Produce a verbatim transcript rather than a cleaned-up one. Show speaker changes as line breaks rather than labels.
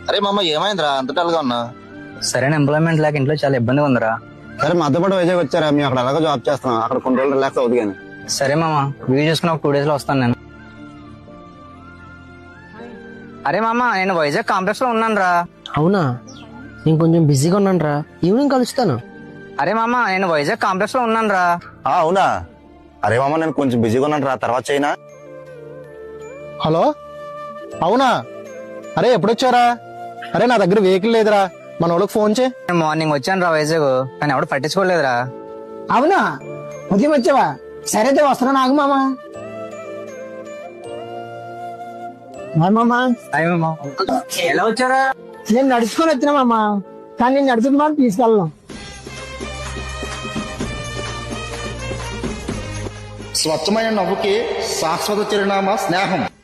అరే మామ ఏమైందిరా అంత డల్గా ఉన్నా?
సరైన ఎంప్లాయ్మెంట్ లేక ఇంట్లో చాలా ఇబ్బందిగా ఉందిరా.
సరే మాతో పాటు వైజాగ్ వచ్చారా? మేము అక్కడ ఎలాగో జాబ్ చేస్తున్నాం, అక్కడ కొన్ని రోజులు రిలాక్స్ అవుతుంది కానీ.
సరే మామ, వీడియో చూసుకుని ఒక టూ డేస్ లో వస్తాను నేను. అరే మామ, నేను వైజాగ్ కాంప్లెక్స్ లో ఉన్నాను రా.
అవునా, నేను కొంచెం బిజీగా ఉన్నాను రా, ఈవినింగ్ కలుస్తాను.
అరే మామ, నేను వైజాగ్ కాంప్లెక్స్ లో ఉన్నాను రా.
అవునా? అరే మామ నేను కొంచెం బిజీగా ఉన్నాను రా, తర్వాత చేయనా?
హలో, అవునా? అరే ఎప్పుడొచ్చారా? అరే నా దగ్గర వెహికల్ లేదురా, మన వాళ్ళకి ఫోన్ చేయి.
నేను మార్నింగ్ వచ్చాను రా వైజాగ్, కానీ ఎవడు పట్టించుకోలేదురా.
అవునా, ఉదయం వచ్చావా? సరే అయితే వస్తున్నా నాకు మామ. మామా
అయ్య మామ, ఎలా వచ్చారా?
నేను నడుచుకొని వచ్చినా మామ, కానీ నేను నడుచుకుని మాత్రం తీసుకెళ్ళను.
స్వచ్ఛమైన నవ్వుకి శాశ్వత చిరునామా స్నేహం.